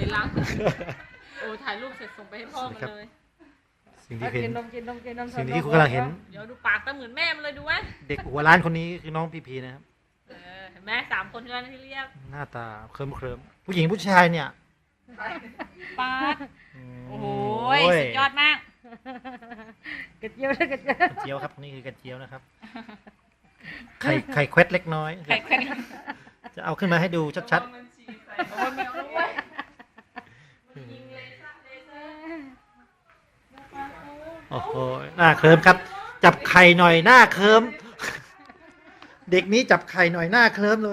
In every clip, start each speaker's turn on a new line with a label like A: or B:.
A: นล้างโอ้ถ่ายรูปเสร็จส่งไปให้พ่อมันเลย
B: สิ่งที่เห็น
C: กินนม
B: สิ่งที่คุณกำลังเห็น
A: เดี๋ยวดูปากตาเหมือนแม่มันเลยดูไว้
B: เด็กหัวล้านคนนี้คือน้องพีพีนะครับ
A: เห็นไหม3 คนที่เรียก
B: หน้าตาเคลิ้มผู้หญิงผู้ชายเนี่ย
A: ปาด โอ้โห
B: โอ้ย
A: สุดยอดมาก
C: กระเจียวเลยกระเจียว
B: กระเจียวครับนี่คือกระเจียวนะครับไข่แควดเล็กน้อย
A: ไข่แข็ง
B: จะเอาขึ้นมาให้ดูชัดๆโอ้โหหน้าเคลิ้มครับ จับไข่หน่อยหน้าเคลิ้มเด็กนี้จับไข่หน่อยหน้าเคลิ้มเลย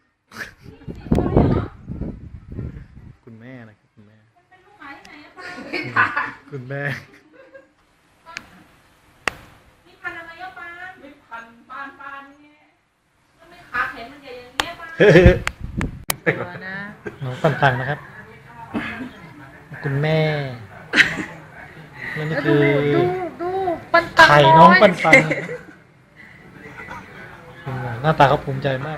B: คุณแม่นะครับคุณแม่คุณแม่
A: นี่พันอะไรอ่ะปานไม่พันปานเนี่ยแล้วไม่ขาแขนมันใหญ่อย่างเงี้ยปานตัวนะ
B: น้องปันปันนะครับ คุณแม่นั่นคือ
C: ดูปันปัน
B: ไข่น้องปันปันหน้าตาเขาภูมิใจมาก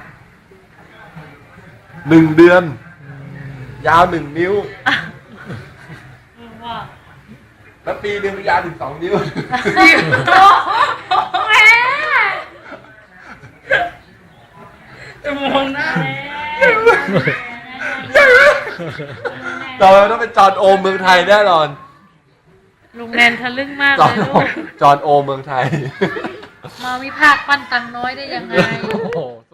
D: 1 เดือน ยาว 1 นิ้ว
A: ว่า
D: แล้วปีหนึ่งยาวถึง 2 นิ้ว
A: แม่มองหน้า
D: เราต้องเป็นจอห์นโอมเมืองไทยแน่นอน
A: ลุงแนนทะลึ่งมาก
D: จ
A: เล
D: อห์น
A: ย
D: โอ
A: ลูก
D: จอห์นโอมเมืองไทย
C: มาวิพากษ์ปั้นตังน้อยได้ยังไง
B: โอ้โห